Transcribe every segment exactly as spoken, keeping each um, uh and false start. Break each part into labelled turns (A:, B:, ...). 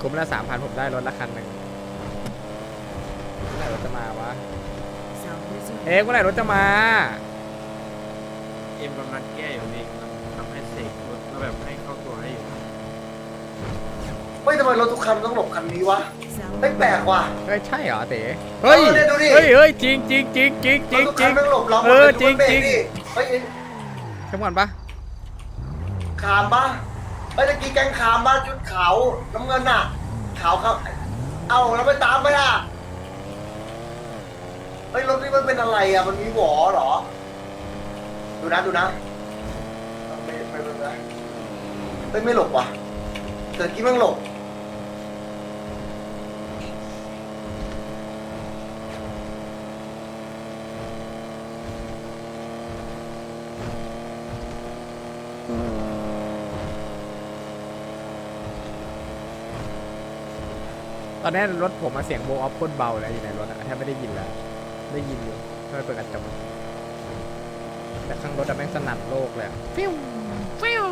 A: คุ้มละสามพันผมได้รถละคันหนึ่งเมื่อไหร่รถจะมาวะเอ๊ะเมื่อไหร่รถจะมา
B: เอ็มกำลังแก้อยู่นี่ทำให้เสกรถก็แบบให้เข้าตัวให้อยู่
C: เฮ้ยทำไมรถทุกคันต้องหลบคันนี้วะไม่แปลกว่ะ
A: เฮ้ยใช่เหรอเต๋เฮ้ย
C: เออเนี่ยดูดิ
A: เฮ้ยเฮ้ยจริงจริงจริงจริงจ
C: ร
A: ริ
C: ถ
A: ง
C: ทุก
A: จ
C: คั
A: ริ
C: น
A: ง
C: ต้องหลบเราหม
A: เอ
C: ด
A: อ
C: เลย
A: จริง
C: ดูมันเบ
A: จริง
C: ดิเฮ้ย
A: เข้มก่อนปะ
C: ขามปะเฮ้ยตะกี้แกงขามปะชุดขาวน้ำเงินน่ะขาวครับเอาแล้วไปตามไปอ่ะเฮ้ยรถนี่มันเป็นอะไรอ่ะมันมีหวอเหรอดูนะดูนะไม่ไม่ไม่ไม่เฮ้ยไม่หลบว่ะแต่ตะกี้มันหลบ
A: ตอนนี้รถผมมาเสียงโบว์ออฟโคตรเบาเลยอยู่ในรถอะแทบไม่ได้ยินแล้วได้ยินอยู่ถ้าไม่เปิดกระจกแต่ข้างรถอะแม่งสนั่นโลกเลยอะฟิวฟิว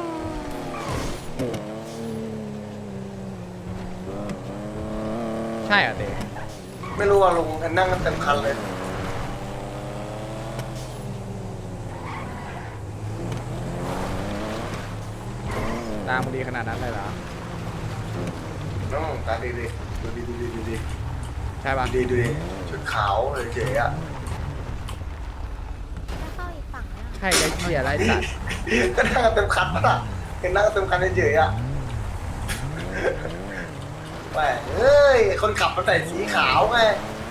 A: ใช่เหรอเต๋
C: ไม่รู้ว่าลงนั่งกันเต็มคันเลย
A: ตามมึงดีขนาดนั้นเลยเหรอ
C: น้องตาดีดีดูดีดูดีดูดี
A: ใช่ปะ
C: ดูดีดูดีชุดขาวเลยเจ๋อะ
D: เข้าอีกฝั่งนะ
A: ใช่ไอ้เหี้ยไรสัตว์
C: ก็นั่งกันเต็มคันป่ะเห็นนั่งกันเต็มคันเฉยๆอ่ะแหมเฮ้ยคนขับมันใส่สีขาวไง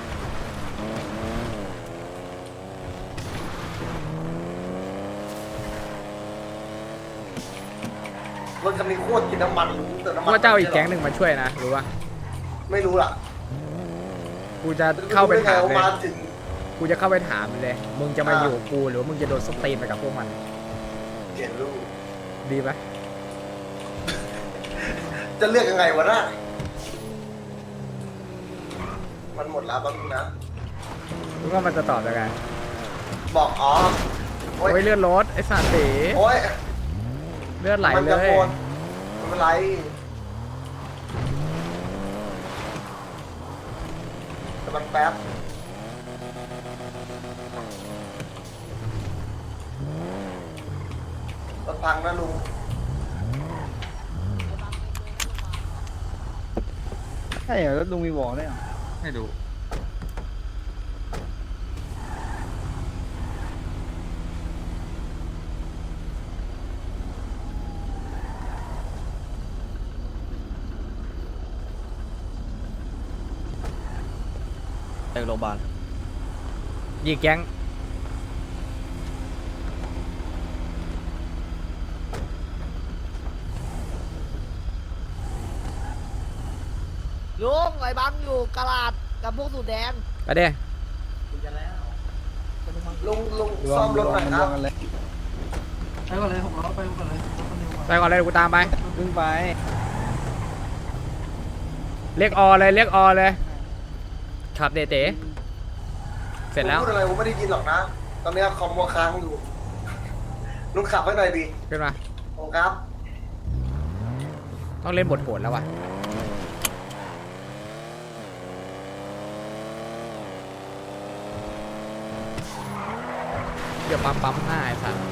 C: รถคันนี้โคตรกินน้ำมันรู้เติมน้ำมัน
A: ว่าเจ้าอีกแก๊งหนึ่งมาช่วยนะรู้ปะ
C: ไม่รู้ล่ะ
A: กูจะเข้าไปถามเลย
C: มาถึง
A: กูจะเข้าไปถามเลย มึงจะมา
C: อ่า
A: อยู่กับกูหรือว่ามึงจะโดนสตีนไปกับพวกมัน
C: เขียนรูป
A: ดีไหม
C: จะเลือกยังไงวะน่ะมันหมดแล้วแป๊บนึงนะ
A: มึงว่ามันจะตอบยังไง
C: บอกอ๋อโอ๊ย
A: โอ้ยเลือดรถไอ้สัตว์เต๋
C: โอ๊ย
A: เลือดไหล
C: มัน
A: เล
C: จะ
A: ย
C: โกนไม่เป็นไรแต่มันแป๊บรถพังนะลุง
E: ใช่เหรอแล้วลุงมีวอลได้วยเหรอ
B: ให้ดู
E: ไปโรงพยาบาล
A: ยี่แก๊ง
F: ลุงไอ้บังอยู่กะลาดกับพวกสูตรแดง
A: ไปเด้
C: ลุงลุง
E: รว
C: ซ่อ
E: ม
C: ม
E: ร
C: ร
E: ว
C: ถ
E: ม
C: หน่อย
E: มัน
C: ค
E: ร
C: รั
E: ว
C: บ
E: มกันเลย
G: ไปก่อนเลยหกล้อไปก่อนเลยรถคันเดียวก่อน
A: ไปก่อนเลยเดี๋ยวกูตามไป
E: ขึ้นไป
A: เรียกออเลยเรียกออเลยขับเดเต๋เสร็จแล้ว
C: ลุงพูดอะไรผมไม่ได้ยินหรอกนะ ตอนนี้คอมมัวค้างอยู่ลุงขับให้หน่อยดิ
A: ขึ้นมา
C: ผมครับ
A: ต้องเล่นบทโหดแล้วว่ะเดี๋ยวปั๊มปั๊มหน้าไอ้สัตว์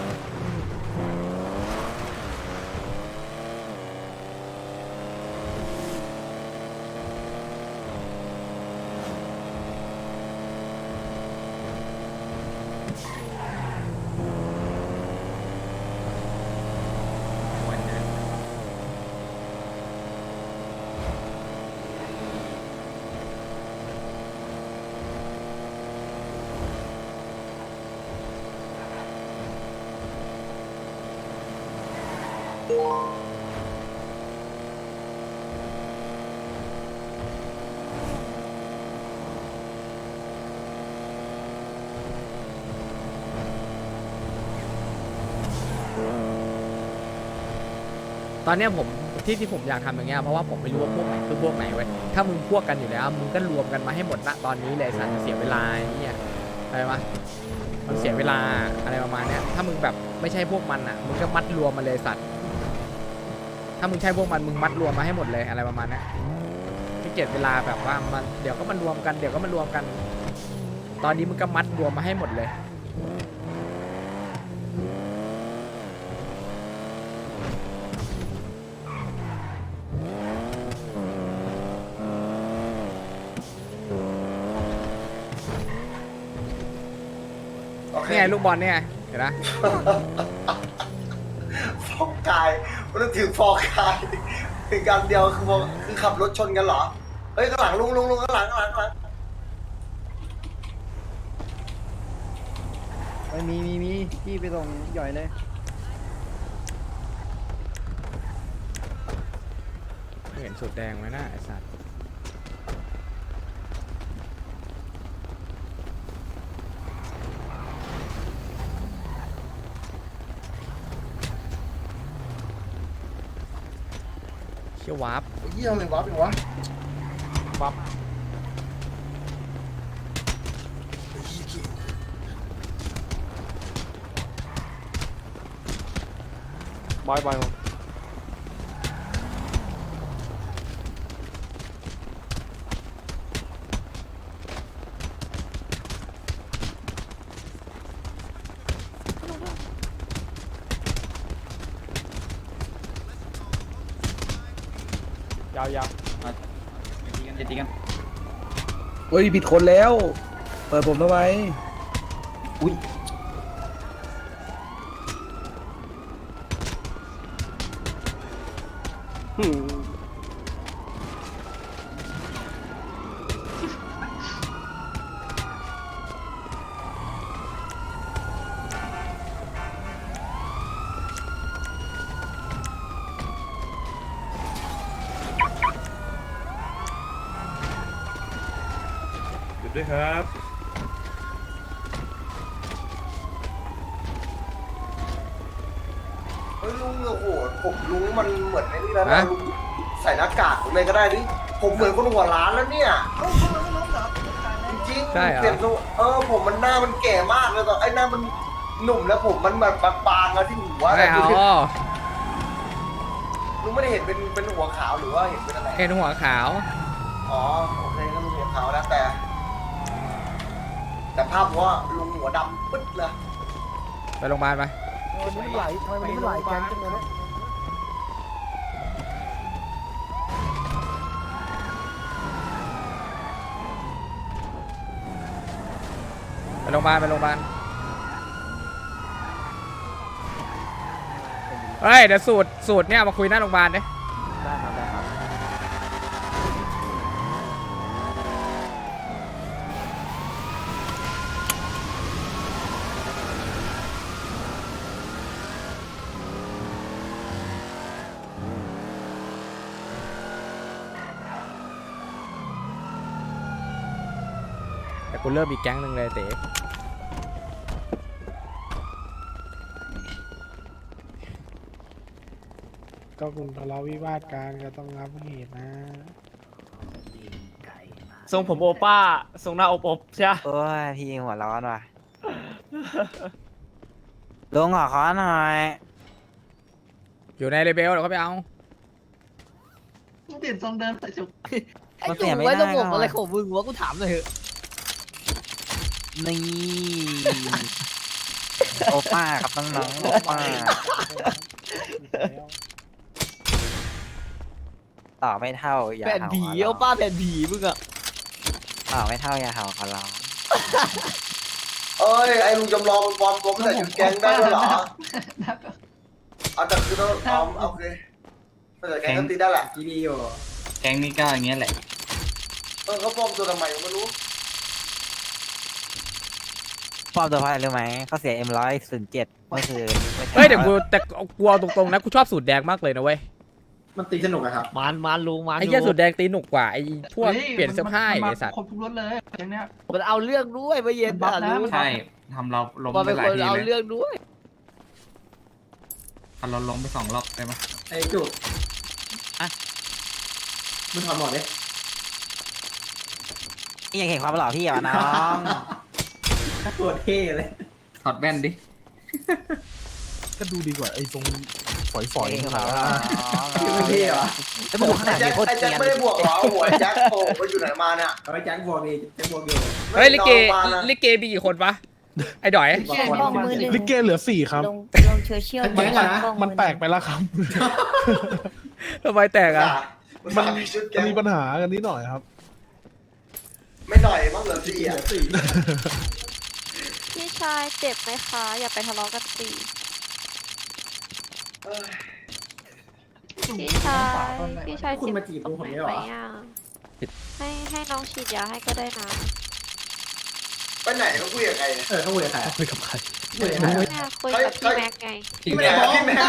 A: ตอนเนี้ยผมที่ที่ผมอยากทำอย่างเงี้ยเพราะว่าผมไม่รู้ว่าพวกไหนคือพวกไหนเว้ยถ้ามึงพวกกันอยู่แล้วมึงก็รวมกันมาให้หมดณตอนนี้เลยสัตว์เสียเวลาไอ้เนี่ยอะไรวะมันเสียเวลาอะไรประมาณเนี้ยถ้ามึงแบบไม่ใช่พวกมันอ่ะมึงก็มัดรวมมาเลยสัตว์ถ้ามึงใช่พวกมันมึงมัดรวมมาให้หมดเลยอะไรประมาณเนี้ยขี้เกียจเวลาแบบว่ามันเดี๋ยวก็มารวมกันเดี๋ยวก็มารวมกัน ตอนนี้มึงก็มัดรวมมาให้หมดเลยนี่ไงลูกบอลเนี่ยเห็นไหม
C: ฟอกกายมันต้องถือฟอกกายถึงการเดียวคือบอกคือขับรถชนกันเหรอเฮ้ยข้างหลังลุงลุงลุงข้างหลังข้างหลังข้างหลัง
E: ไม่มีมีมีพี่ไปส่งหย่อยเลย
A: เห็นสุดแดงไหมนะไอ้สัตว์เชี่ยววาร์ป
C: ไอ้เหี้ยอะไรวะเป็นวะ
A: วาร์ป
E: บอยบอย
A: ยาวยาว
E: จะตีกันเฮ้ยผิดคนแล้ว เปิดผมทำไมอุ้ย
B: หยุดด้วยครับ
C: เฮ้ยลุงโอ้โหผมลุงมันเหมือนไอ้นี่แล้วนะลุงใส่หน้ากากเลยก็ได้ดิผมเหมือนคนหัวล้านแล้วเนี่ยจริงๆ
A: ใช่เหรอ
C: เปลี่ยนตัวเออผมมันหน้ามันแก่มากเลยตอนไอ้หน้ามันหนุ่มแล้วผมมันแบบบางๆแล้วที่หัว
A: ไม่เอา
C: ลุงไม่ได้เห็นเป็นเป็นหัวขาวหรือว่าเห็นเป็นอะไร
A: เห็นหัวขาว
C: อ๋อโอเคก็ลุงหัวขาวแล้วแต่ แต่ภาพว่าลุงหัวดำปึ๊ดเลย
A: ไปโรงพยาบาลไป
F: มันไม่ไหลทำไมมันไม่ไหลแกงจังเลยนะ
A: ไปโรงพยาบาลไปโรงพยาบาลเฮ้ยเดี๋ยวสูตรสูตรเนี่ยมาคุยหน้าโรงพยาบาลดิ
E: ได้ครับได้ครับ
A: แต่กูเริ่มอีกแก๊งหนึ่งเลยเต๋
D: ก็คุณทะเลาะวิวาทกันก็ต้องรับเหตุนะ
B: ทรงผมโอป้า ทรงหน้าอบอบใช่ไหม
H: โอ้ยพี่หัวร้อนว่ะ ลุงขอขอหน่อย
A: อยู่ในเลเบลเดี๋ยวเขาไปเอา
G: มึงเปลี่ยนทรงเดิมใส่ชุด
F: ไอ้จุกไว้ตรงผมอะไรของมึงวะกูถามหน่อยเถอะ
H: นี่ โอป้าครับน้องๆโอป้าต่อไม่เท่าอย่า
F: แผ่น
H: เห่า
F: ผี
H: ขอร้
F: เอา
H: อง
F: ป้าแผ่นผีมึงอะ
H: ต่อไม่เท่าอย่าเห่าขอร้อง
C: เอ้ยไอ้ลุงจำลองมันปลอมตัวไม่ใส่ชุดแก๊งได้ด้วยเหรอเอาแต่คือต้องเอาโอเคไม่ใส่แก๊งก็ตีได้แหละ
E: ที่ดีอยู่
H: แก๊งนี้ก็อย่างเงี้ยแหละ
C: เออเขาปลอมตัวทำไมไม่รู้
H: ปอบตัวเพราะอะไรรู้ไหมเขาเสียเอ็มร้อยศูนย์เจ็ดไม่คือไม่ใช่
A: เฮ้ยเดี๋ยวกูแต่กลัวตรงๆนะกูชอบสูตรแดงมากเลยนะเว้ย
E: มันตีสนุกอะครับ
F: มันมันลุงมัน
A: ไอ้เหี้ยสูตรแดงตีหนุกกว่าไอ้พวกเปลี่ยนเสื้อผ้าไอ้สัตว์
G: ครบทุกรถเลยอย่างเนี้ย
F: มันเอาเรื่องด้วยเมื่อเย็น
G: มันบั
F: อ่ะ
G: ฟนะ
F: ลุง
G: มัน
I: ใช่ทำเราล้ม
F: มัน
I: ไป
F: เป็น
I: หลา
F: ค
I: ย
F: น
I: ที
F: เอา
I: เลย
F: เรื่องด้วย
I: ทำเราล้มไปสองรอบได้ไหม
E: ไอ้จุกมึงถอดหมดเลย
H: นี่ยังเห็นความหล่อพี่เหรอน้อง
E: ตัวเท่เลย
I: ถอดแว่นดิ
D: ก็ดูดีกว่าไอ้ตรง
E: ฝอยฝอย
H: เองเหรอ
C: พี่ไม่พี่เหรอ
H: แล้วมึงดูข้างห
C: ไอ้
H: ลัง
C: แจ็
H: ดิ
C: ค
H: โคตร
C: ไอ้
H: เก
C: แจ็ค
H: รียน
C: ไม่ได้บวกเหรอหัวไอ้แจ็คโอ้ไปอยู่ไหนมาเนี่ย
B: เอาไว้แจ็คบวกดีแจ็คบวกอยู่
A: เฮ้ยลิเก
C: ไม่นอนมานะ
A: ลิเกมีกี่คนปะไอ้ดอย
G: แค่บอกมือหนึ่ง
D: ลิเกเหลือสี่ครับ
G: ลงลงโซเชียล
D: มันมันแตกไปแล้วครับ
A: ทำไมแตกอ่ะ
C: มันมีชุดแก
D: มัน
C: ง
D: มีปัญหากันนิดหน่อยครับ
C: ไม่หน่อยมั้งเหลือสี่อ่ะ
J: พี่ชายเจ็บไหมคะ อย่าไปทะเลาะกันสิ
C: เอ้ย
J: พี่ชายพี่ชาย
B: คุณมาจีบ
J: ตรง
B: ผม
J: ไหน
B: เนี่ยเห
J: ไห
B: ร
J: ม
B: อ
J: อ่ะให้ให้น้องฉีดยาให้ก็ได้นะ
C: ไปไหนเขาคุยกับใครเนี่ย
B: เออเขาคุยกับใคร
D: คุยกับใคร
B: คุยกับใคร
J: เนี่ยคุยกับพี่แม็กไง
C: พี่แม่พี่แม่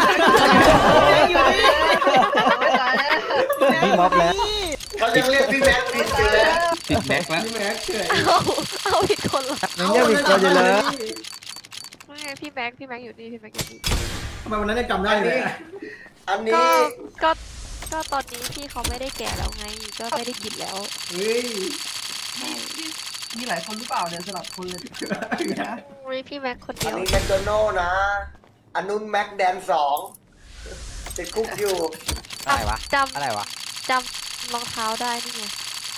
H: พี่ม็อบแล้ว
C: เขายังเรียกพี่แม็กผิดอยู่เลย
I: ติดแม็กแล้ว
B: พี่แม็กเฉย
J: เอาเอาผิดคนละ
H: ยังเรียกผิดคนอยู่เลย
J: ไม่ไงพี่แม็กพี่แม็กอยู่นี่พี่แม็กอยู่นี่
B: ทำไมวันนั้นยังจำได้เลย
C: อันนี้
J: ก็ก็ก็ตอนนี้พี่เขาไม่ได้แก่แล้วไง ก็ไม่ได้กินแล้ว
B: เฮ้ย
J: ใช่
G: มีหลายคนหรือเปล่าเนี่ยสลับคนเลยนะ
J: มีพี่แม็กคน
C: อั
J: เดี
C: น
J: ยว
C: นี้แมคโดนัลล์นะ อันนู้นแม็กแดนสองติดคุกอยู่
H: อะไรวะ
J: จ
H: อะไรวะ
J: ำจำรองเท้าได้นี่ไง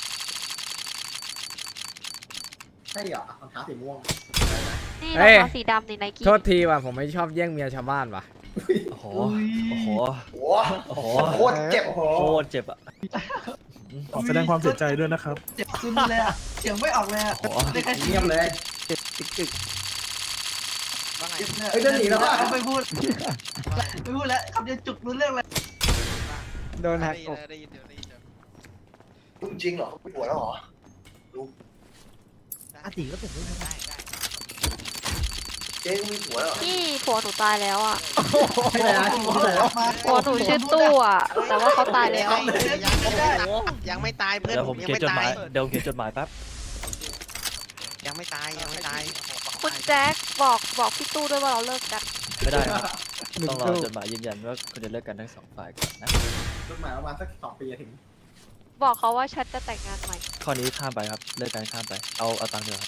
B: ใช่เหรอรองเท้าสีม่วง
J: นี่รองเท้าสีดำในไนกี้
A: โทษทีว่ะผมไม่ชอบแย่งเมียชาวบ้านว่ะ
H: โอ้โห โอ้โห
C: โอ้
H: โอ้โห
C: โคตรเจ็บ
B: โอ้โห
H: โคตรเจ็บอ่ะ
D: ขอแสดงความเสียใจด้วยนะครับ
G: เจ็บซึมเลยอ่ะเสียงไม่ออกเลยอ่ะ
H: โอ้โห
G: ได้แค่
B: เงียบเลย
H: เจ็บจึกจึก
G: เจ็บเนี่ย
B: เฮ้ยเดินหนีแล้วอะ
G: ไม่พูดไม่พูดแล้วคำเดียวจุกรู้เรื่องเลย
H: โดนหักอก
C: จริงเหรอเขามีผัวแล้วเหรอ
F: อาติก็เป็นเรื่องได้
C: เจ๊เขามีผัวแล้วเหรอ
J: พี่ผัวหนูตายแล้วอ่ะ
B: ที่ไหนนะที่ไหนนะ
J: ผัวหนูชื่อตู้อ่ะ แต่ว่าเขาตายแล้ว
F: ยังไม่ตายเพื่อน
H: เดี๋ยวผมเขียนจดหมาย เดี๋ยวเขียนจดหมายแป๊บ
F: ยังไม่ตายยังไม่ตาย
J: คุณแจ็คบอกบอกพี่ตู้ด้วยว่าเราเลิกกัน
H: ไม่ได้ครับต้องรอจดหมายยืนยันว่าคุณจะเลิกกันทั้งสองฝ่ายก่อนนะ
B: จดหมายประมาณสักสองปีจะถึง
J: บอกเขาว่าฉันจะแต่งงานใหม่
H: ข้อนี้ข้ามไปครับ เลิกกันข้ามไป เอาเอาตังค์เดียวครับ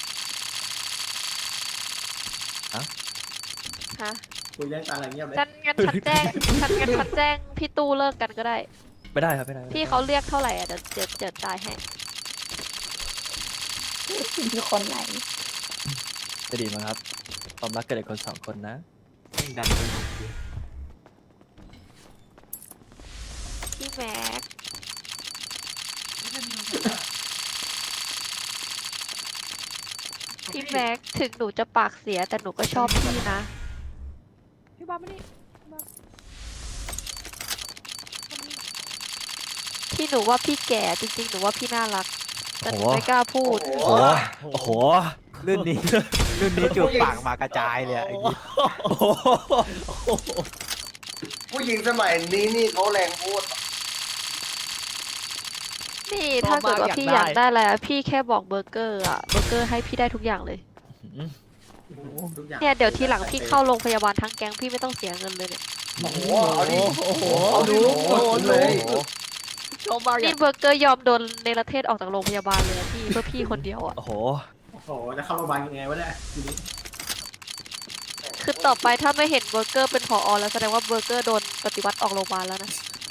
J: ฮะ
B: คุยเรื่องการอะไรเงียบเลย
J: ฉันงั้นฉันแจ้งฉันงั้นฉันแจ้งพี่ตู้เลิกกันก็ได้
H: ไม่ได้ครับไม่ได้ไม่ได้
J: พี่เขาเรียกเท่าไหร่อ่ะเดี๋ยวเดี๋ยวเดี๋ยวจ่ายให้
G: มีคนไหน
H: จะดีมั้งครับความรักเกิดจากคนสองคนนะ
I: ดัน
J: พี่แม็กพี่แม็กถึงหนูจะปากเสียแต่หนูก็ชอบพี่นะพี่บ้ามานี่ที่หนูว่าพี่แก่จริงๆหนูว่าพี่น่ารักแต่หนูไม่กล้าพูด
C: โอ้
H: โอ้
C: โห
H: โหโอ้โหรุ่นนี้ รุ่นนี้จูบปากมากระจายเลยอะไอ้นี่โอ้โห
C: ผู้หญิงสมัยนี้นี่เขาแรงพูด
J: นี่ถ้าเกิดว่าพี่อยากได้อะไรอะพี่แค่บอกเบอร์เกอร์อะเบอร์เกอร์ให้พี่ได้ทุกอย่างเลย
B: ทุกอย่าง
J: เนี่ยเดี๋ยวทีหลังพี่เข้าโรงพยาบาลทั้งแก๊งพี่ไม่ต้องเสียเงินเลยเนี่ย
C: โอ้โหเอาดิ
H: โอ้โห
C: เอาดิ
B: โอ้โหเลย
F: ชอบมาก
J: นี่เบอร์เกอร์ยอมโดนเนรเทศออกจากโรงพยาบาลเลยอะพี่เพื่อพี่คนเดียวอะ
H: โอ้โห
B: โอ้โหจะเข้าโรงพยาบาลยังไงวะเนี่ยทีนี้
J: คือต่อไปถ้าไม่เห็นเบอร์เกอร์เป็นผอแล้วแสดงว่าเบอร์เกอร์โดนปฏิวัติออกโรงพยาบาลแล้วนะ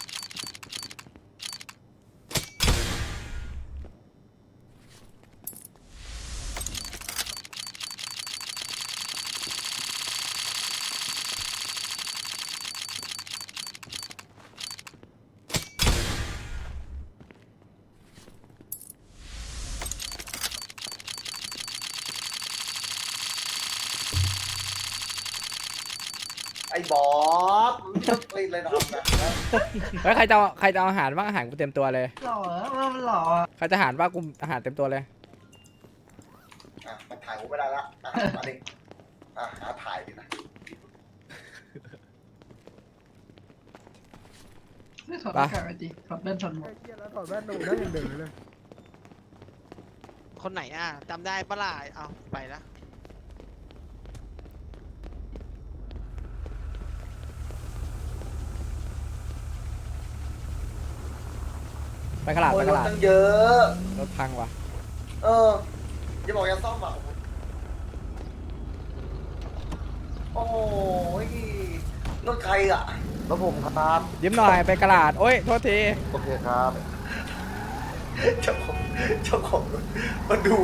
C: ไอ้บอสมันไม่ต้องกรีดเลยนะ
A: เฮ้ยใครจะเอาใครจะเอาอาหารบ้างอาหารกูเต็มตัวเลย
G: หล่อว่ามันหล่อ
A: ใครจะอาหารบ้างกูอาหารเต็มตัวเลย
C: อ่ะมันถ่ายกูไม่ได้ละอ่ะมาดิอ่ะหาถ่ายดินะ
G: ไม่ถอดหน้ากากไปดิถอดแว่นถอดหมวก
D: ถอดแว่นดูได้ยังเดินเลย
F: คนไหนอ่ะจำได้ปะล่ะเอาไปละ
A: ไปขลาด
C: โอ้
A: ไป
C: ย
A: ข
C: รถ
A: ลาด
C: ตั้งเยอะ
A: รถพังว่ะ
C: เอออย่าบอกอย่าซ่อมอ่ะโอ้โหรรถใครอ่ะ
E: รถผมครับ
A: ยิ้มหน่อยไปกระดาษโอ้ยโทษที
E: โอเคครับ
C: เจ้าของเจ้าของรถมาดู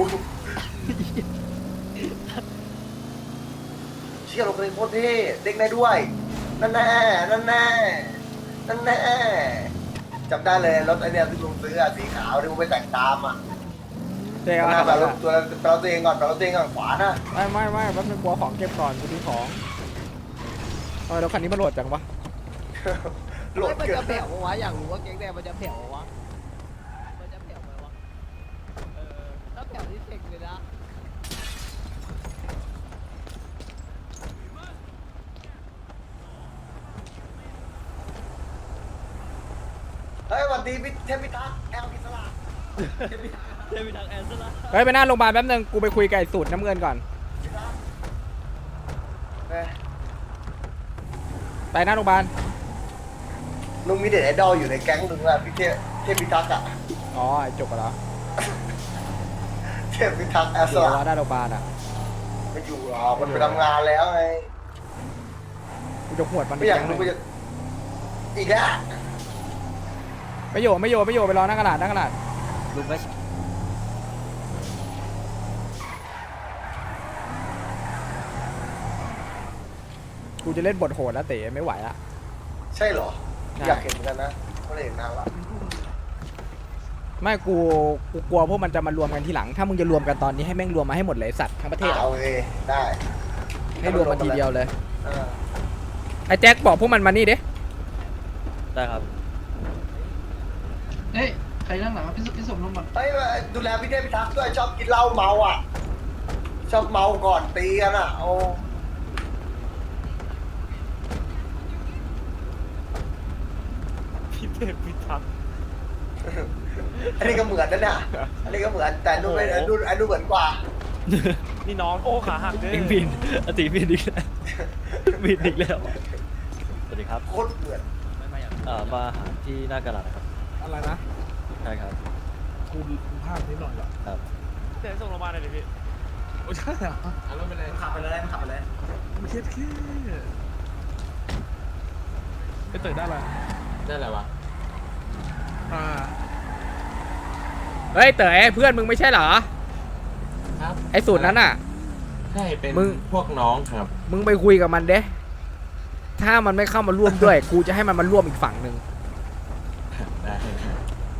C: เชี่ยรถคันนี้โคตรเท่เด้งได้ด้วยนั่นแน่นั่นแน่นั่นแน่จำได้เลยรถไอเนี้ยที่ลุงซื้ออะสีขาวที่ผมไปแต่งตามอ่ะ
A: เจ๊
C: ห
A: เอา
C: น้า
A: อะ
C: แบบรถตัวเราตัวเองก่อนเราตัวเองก่อนขวานะ
A: ไม่ไม่ไม่แป๊บนึงกลัวของเก็บก่อนกูดูของเออแล้วคันนี้มันโหลดจังวะ
C: โหลด
F: มัน
C: เกิ
F: จะ
C: น
F: แผ่ววะอยากรู้ว่าแก๊งแดงมันจะแผ่ววะมันจะแผ่วไหมวะเออถ้าแผ่วนี่เซ็งเลยนะ
C: เฮ้ยสวัสดีพี่เทพพิทักษ์แอลพิศลา
A: เฮ้ยไปหน้าโรงพยาบาลแป๊บนึงกูไปคุยกับไอ้สูตรน้ำเงินก่อน
C: เอ้ย
A: ไปหน้าโรงพยาบาล
C: ลุงมีเด็ดไอดอลอยู่ในแก๊งลุงอะพี่เทพเทพพิทักษ์อะ
A: อ๋อไอ้จบไปแล้ว
C: เทพพิทักษ์แอลส
A: เดี๋ยว
C: ลา
A: ว่าหน้าโรงพยาบาลอ่ะ
C: ไม่อยู่หรอกมันไปทำงานแล้วไง
A: กูจะหวดมัน
C: ไม่อยาก
A: ป
C: รู้
A: แก๊ง
C: ก็
A: หนึ่ง
C: จะอีกแล้ว
A: ไม่อยู่ไม่อยู่ไม่อยู่ไปรอหน้ากระดาษหน้ากระดาษ
H: ลุงก็
A: กูจะเล่นบทโหดแล้วเต๋ไม่ไหวละ
C: ใช่เหรอ
A: ใช่
C: อยากเห็นเหมือนกันนะไม่ได้เห็นนานละ
A: ไม่กูกูกลัวพวกมันจะมารวมกันทีหลัง ถ้ามึงจะรวมกันตอนนี้ให้แม่งรวมมาให้หมดเลยไอ้สัตว์ทั้งประเทศ
C: เอา
A: อะ
C: เลยได้
A: ให้รวมมาทีเดียวเลย
C: เออ
A: ไอ้แจ็คบอกพวกมันมานี่ดิ
H: ได้ครับ
G: เฮ้ยใครนั่งหลังพี่พี่สมลงก่อน
C: เฮ้ยดูแลพี่เทพพิทักษ์ด้วยชอบกินเหล้าเมาอ่ะ ชอบเมาก่อนตีกันอ่ะโอ้
B: พี่เทพพิทักษ์
C: อันนี้ก็เหมือนนั่นน่ะอันนี้ก็เหมือนแต่อันนู้นไม่อันนู้นอันนู้นเหมือนกว่า
B: นี่น้องโอ้ขาหักเด้
H: เองบินอติบินอีกแล้วบินอีกแล้ว สวัสดีครับ
C: โคตรเหมือน
H: เอ่อมาหาที่หน้ากระดาษนะครับ
A: อะไรนะ
H: ใช่ครับ
D: กูกูพลาดนิดหน่อยเหรอ
H: ครับ
B: เดี๋ยวส่งโรงพยาบาลหน่อยดิพี่
D: โอ้ใช่เหรอ
C: ขับไปเลยขับไปเลย
D: ไม่คิดแค่ไปเตยได้ละ
I: ได้อะไรวะ
D: อ่า
A: เฮ้ยเต๋อเพื่อนมึงไม่ใช่เหรอ
I: ครับ
A: ไอ้สูตรนั้นอ่ะ
I: ใช่เป็น
A: มึง
I: พวกน้องครับ
A: มึงไปคุยกับมันเด้ถ้ามันไม่เข้ามาร่วมด้วย กูจะให้มันมาร่วมอีกฝั่งหนึ่ง
I: ได้ครับ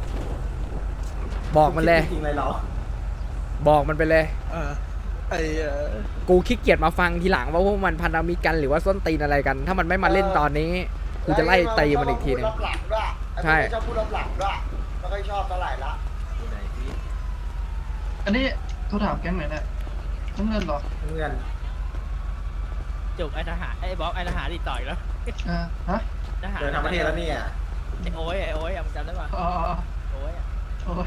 A: บอกมันเลย
C: จริงเลยเหรอ
A: บอกมันไปเลย
D: เออไอเอ่อ
A: กูขี้เกียจมาฟังทีหลังว่าพวกมันพันธมิตรกันหรือว่าส้นตีนอะไรกัน ถ้ามันไม่มาเล่นตอนนี้ กูจะไล่ตีมันอีกทีหนึง
C: ชอบพูดรับหลังด้วย
A: ใช่
C: ไอ้พวกนี้ชอบพูดรับหลังด้วยไม่ค่อยชอบเท่าไหร่ละ
I: ที่ไหนที่
G: อันนี้โทรถามแก๊งไหนเนี่ยน้ำเงินเหรอ
C: เงิน
F: จุกไอ้ทหารไอ้บ๊อบไอ้ทหารติดต่อยแล้ว
G: อ่าฮะ
F: ทหาร
C: เดินทางประเทศแล้วเนี่ย
F: ไอ้โอ้ยไอ้โอ้ยอะมึงจำได้ป่ะ
G: อ๋ออ๋อ
F: โอ้ยอะ
G: โอ้ย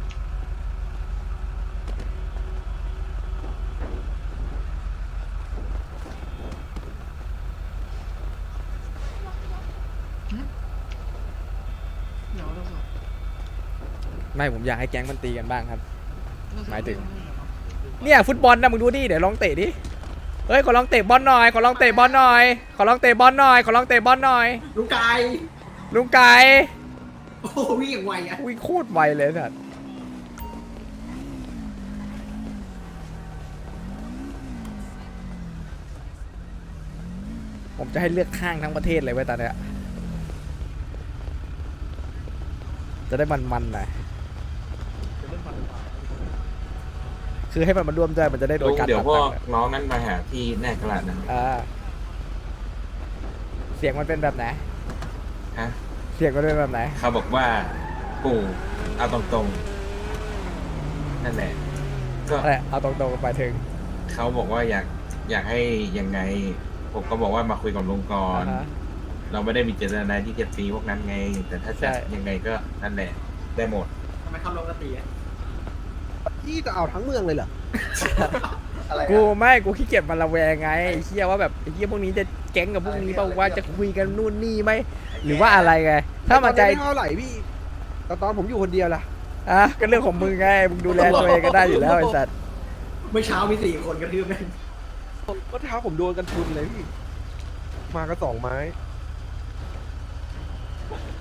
G: หึเดี๋ยวเราสอบ
A: ไม่ผมอยากให้แก๊งมันตีกันบ้างครับ
G: เรสอบ
A: หมายถึง
G: เรื่องอะไรเหรอ
A: เนี่ยฟุตบอลนะมึงดูดิเดี๋ยวลองเตะดิเฮ้ยขอลองเตะบอลหน่อยขอลองเตะบอลหน่อยขอลองเตะบอลหน่อยขอลองเตะบอลหน่อย
C: ลูกไก่
A: ลุงไก่
C: โอ้วิ่งอย่างไวอ่ะ
A: วิ่งโคตรไวเลยสัตว์ผมจะให้เลือกข้างทั้งประเทศเลยเว้ยตอนเนี้ยจะได้มันๆหน่อยคือให้มันมาร่วมด้วยมันจะได้โด
I: ลุ
A: น
I: ง
A: การ
I: เดี๋ยว
A: ตัด
I: พว
A: ตั
I: ก
A: งค์
I: น้องนั้นมาหาที่แน่กระดาษนะ
A: อ่าเสียงมันเป็นแบบไหน
I: ฮะ
A: เสียงมันเป็นแบบไหน
I: เขาบอกว่าปู่เอาตรงๆนั่นแหละ ก็
A: อะไรเอาตรงๆไปถึง
I: เขาบอกว่าอยากอยากให้ยังไง ผมก็บอกว่ามาคุยกับลุงก่อน
A: อ่าฮะ
I: เราไม่ได้มีเจตนาที่จะตีพวกนั้นไง แต่ถ้า
A: ใช่
I: จะยังไงก็นั่นแหละ ได้หมด
C: ทำไมเข้าลงกระตีอ่ะ
E: พี่จะเอาทั้งเมืองเลยเหรอ
C: อะไร
A: กู
C: อะ
A: ไม่กูขี้เกียจมันระแวงไงไอ้เฮียว่าแบบไอ้เฮียพวกนี้จะแก๊งกับพวกนี้เปล่าว่าจะคุยกันนู่นนี่ไหมหรือว่าอะไรไงถ้ามันใจ
E: เท่าไหร่พี่แต่ตอนผมอยู่คนเดียวล่ะ
A: อ่ะก็เรื่องของมึงไงมึงดูแลตัวเองก็ได้อยู่แล้วไอ้สัตว์
C: เมื่อเช้ามีสี่คนกระทืบแม่ง
E: ก็เท้าผมโดนกันทุนเลยพี่ มาก็สองไม้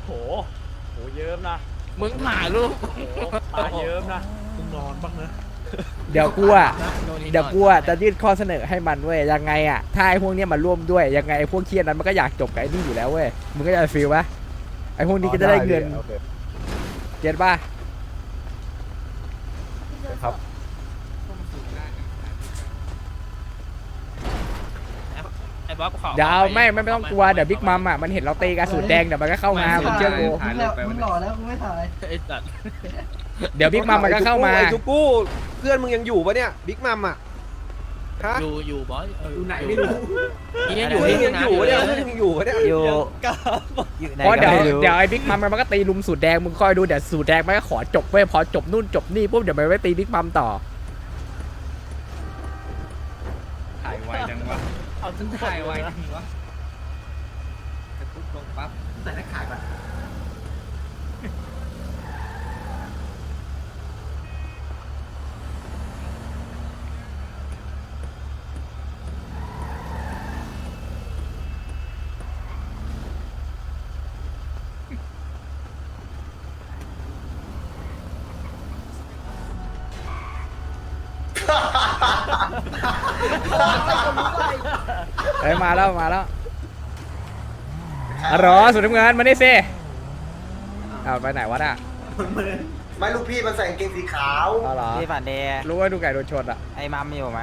B: โหโหเยิ้มนะ
A: มึงถ่ายรูป
B: ตาเยิ้มนะ
D: มึงนอนบ้างนะ
A: เดี๋ยวกูอ่ะเดี๋ยวกูอ่ะจะยื่นข้อเสนอให้มันเว้ยยังไงอ่ะถ้าไอ้พวกเนี้ยมาร่วมด้วยยังไงไอ้พวกเครียดนั้นมันก็อยากจบกับไอ้นี่อยู่แล้วเว้ยมึงก็จะฟีลปะไอ้พวกนี้ก็จะได้เงินเก็ตป่ะ
E: ครับ
B: ไอ้บ๊อบขอ
A: เดี๋ยวเอาไม่ไม่ไม่ต้องกลัวเดี๋ยวบิ๊กมัมอ่ะมันเห็นเราตีกระสุนแดงเดี๋ยวมันก็เข้ามามึงเชื่อกู
G: มึงหล่อมึงหล่อแล้วกูไม่ถ่าย
B: ไอ้สัตว์
A: เดี๋ยวบิ๊กมัมมันก็เข้ามา
E: ไอ้ทุกกู้เพื่อนมึงยังอยู่ปะเนี่ยบิ๊กมัมอ่ะฮะ
B: อยู่อยู่บอส
E: อยู่ไหนไม่รู้
B: ยังอ
E: อยู่
B: ยู่
E: ยังอยู่ปะเนี่ยเพื่อนยังอยู่ปะเนี่ย
H: อยู่อยู่ไหน
A: เพราะ
H: ก็
A: เดี๋ยว
H: ไม่รู้
A: เดี๋ยวไอ้บิ๊กมัมมันก็ตีลุมสูตรแดงมึงคอยดูเดี๋ยวสูตรแดงมันก็ขอจบเว้ยพอจบนู่นจบนี่ปุ๊บเดี๋ยวมันไปตีบิ๊กมัมต่อ
I: ถ่ายไวจังวะ
B: เอาถึงถ่ายไว้ทีวะ
C: แต่นักขายก่อน
A: เฮ้ยมาแล้วมาแล้วอ๋อเหรอสุดน้ำเงินมานี่สิเอาไปไหนวะน่ะ
C: ไม่ลูกพี่มันใส่กางเกงสีขาว
A: อ๋อเหรอ
H: พี่ฝันเดย์
A: รู้ว่าดูไก่โดนชนอ่ะ
H: ไอ้มัมอยู่ไหม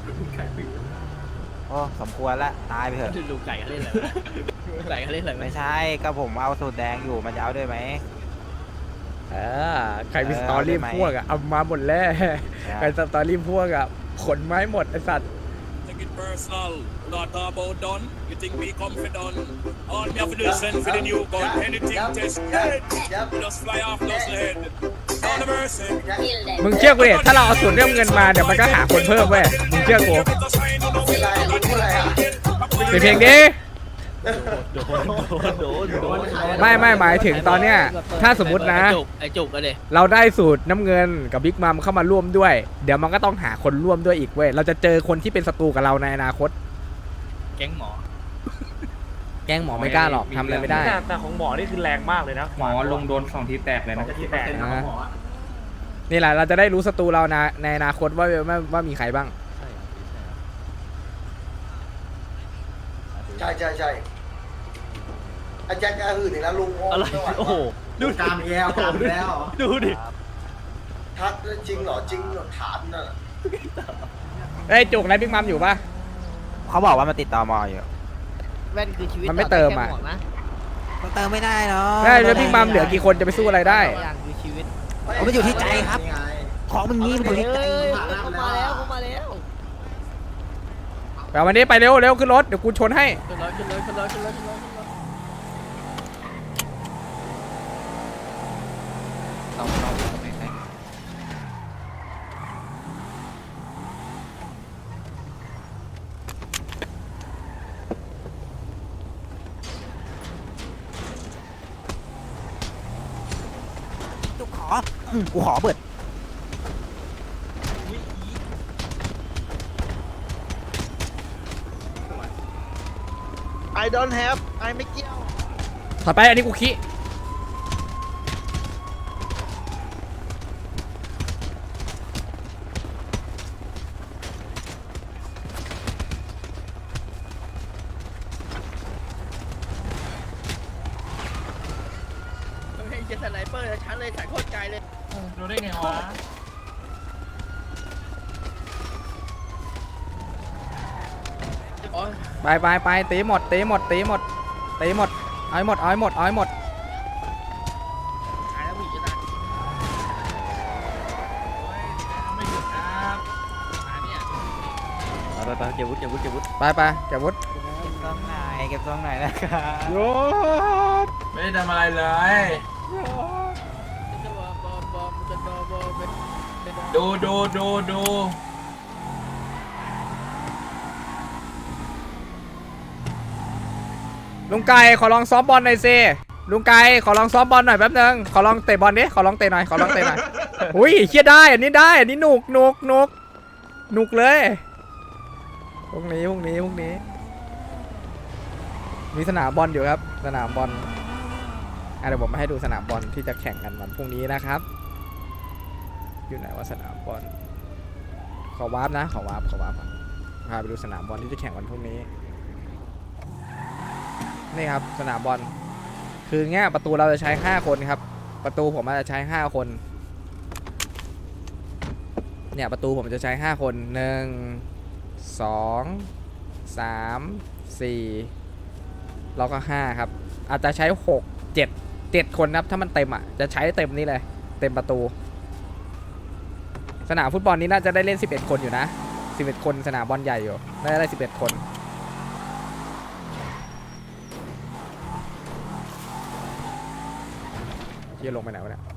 H: โอ้สมควรละตายไปเถอะ
B: ดูไก่เขาเล่นอะไรดูไก่เขาเล่นอะไร
H: ไม่ใช่ก็ผมเอาสูตรแดงอยู่มันจะเอาด้วยไหม
A: เออใครมี
H: เออ
A: สตอรี่
H: เอาได้ไหม
A: พวกอ่ะเอามาหมดแล้ว
H: ใช่
A: ใครสตอรี่พวกอ่ะขนไม้หมดไอ้สัตว์
K: Take it personal, not about done. You think we confident? All me have to do is send for the new gun. Anything test dead. We just fly off those head. On the mercy.
A: มึงเชื่อกูดิถ้าเราเอาส่วนเรื่องเงินมาเดี๋ยวมันก็หาคนเพิ่มเว้ยมึงเชื่อกู
C: ไม่ได้พูดอะไรอ่ะ
A: ปิดเพลงดิ
B: โดนโดนโดน
A: ไม่ไม่หมายถึงตอนเนี้ยถ้าสมมตินะ
B: ไอ้จุกไอ้จุกอะเด็
A: เราได้สูตรน้ำเงินกับบิ๊กมัมเข้ามาร่วมด้วย เดี๋ยวมันก็ต้องหาคนร่วมด้วยอีกเว้ยเราจะเจอคนที่เป็นศัตรูกับเราในอนาคต
B: แก๊งหมอ
A: แกล้งหมอไม่กล้าหรอกทำอะไรไม่ได้
B: แต่ของหมอนี่คือแรงมากเลยนะ
I: หมอลงโดนสองทีแตกเลยนะ
B: ที่แตก
A: อ่านี่แหละเราจะได้รู้ศัตรูเรานะในอนาคตว่าว่าว่ามีใครบ้าง
C: ใช่ใช่ใช่อาจารย์จะหื่นอีกแล้วลุง
B: อะไรโอ้โหดู
C: กามแล้วกามแล้ว
B: ดูดิ
C: ทักจริงเหรอจริงเหรอถามน่ะ
A: เอ้ยจุกไรบิ๊กมัมอยู่ปะ
H: เขาบอกว่ามันติดต่อมออยู่
F: แว่นคือชีวิต
A: มันไม่เติมอะ
F: แค่หวกนะ
H: มันเติมไม่ได้เนาะ
A: ได้แล้วบิ๊กมัมเหลือกี่คนจะไปสู้อะไรได้
F: อย่างคือชีวิต
H: เอามันอยู่ที่ใจครับ
C: นี่ไง
H: ของมันงี้มันอยู่ที่ใจ
F: เอ้ยเขามาแล้วเขามาแล้ว
A: ไปวันนี้ไปเร็วเร็วขึ้นรถเดี๋ยวกูชนให้
F: ขึ้นรถขึ้นรถขึ้นรถขึ้นรถขึ้นรถขึ้นรถ
H: กูขออืมกูขอเบิด
F: ไอ don't have ไอไม่เกี่ยว
A: ถอดไปอันนี้กูขี้
F: เฮ้ยจะสไนเปอร์แล้วฉันเลยสายโคตรไกลเลย
B: ดูได้ไงวะ
F: โอ้ย
A: ไปไปไปตีหมดตีหมดตีหมดตีหมดเอาให้หมดเอาให้หมดเอาให้หมด
F: หายแล้วผู้หญิงจะตายไม่หยุดครับมาเนี่ย
H: ไปไปเก็บวุฒิเก็บวุฒิเก็บวุฒิ
A: ไปไปเก็บวุฒิ
H: เก็บซองไหนเก็บซองไหนนะครับ
A: โยด
I: ไม่ได้ทำอะไรเลย
F: จะบอบอบอจะบอบอเป็นเป็น
I: ดูดูดูดู
A: ลุงไก่ขอลองซ้อมบอลหน่อยสิลุงไก่ขอลองซ้อมบอลหน่อยแป๊บนึงขอลองเตะบอลดิขอลองเตะหน่อยขอลองเตะหน่อย อุ้ยเครียดได้อันนี้ได้อันนี้หนุกหนุกหนุกหนุกเลยพวกนี้พวกนี้พวกนี้ มีสนามบอลอยู่ครับสนามบอลอ่ะเดี๋ยวผมมาให้ดูสนามบอลที่จะแข่งกันวันพรุ่งนี้นะครับ อยู่ไหนว่าสนามบอลขอวาร์ปนะขอวาร์ปขอวาร์ปก่อนพาไปดูสนามบอลที่จะแข่งวันพรุ่งนี้นี่ครับสนามบอลคือเงี้ยประตูเราจะใช้ห้าคนครับประตูผมจะใช้ห้าคนเนี่ยประตูผมจะใช้ห้าคนหนึ่งสองสามสี่แล้วก็ห้าครับอาจจะใช้หกเจ็ดเจ็ดคนครับถ้ามันเต็มอ่ะจะใช้เต็มนี่เลยเต็มประตูสนามฟุตบอลนี้น่าจะได้เล่นสิบเอ็ดคนอยู่นะสิบเอ็ดคนสนามบอลใหญ่อยู่น่าจะได้สิบเอ็ดคนเที่ยลงไปไหนวะเนี่ย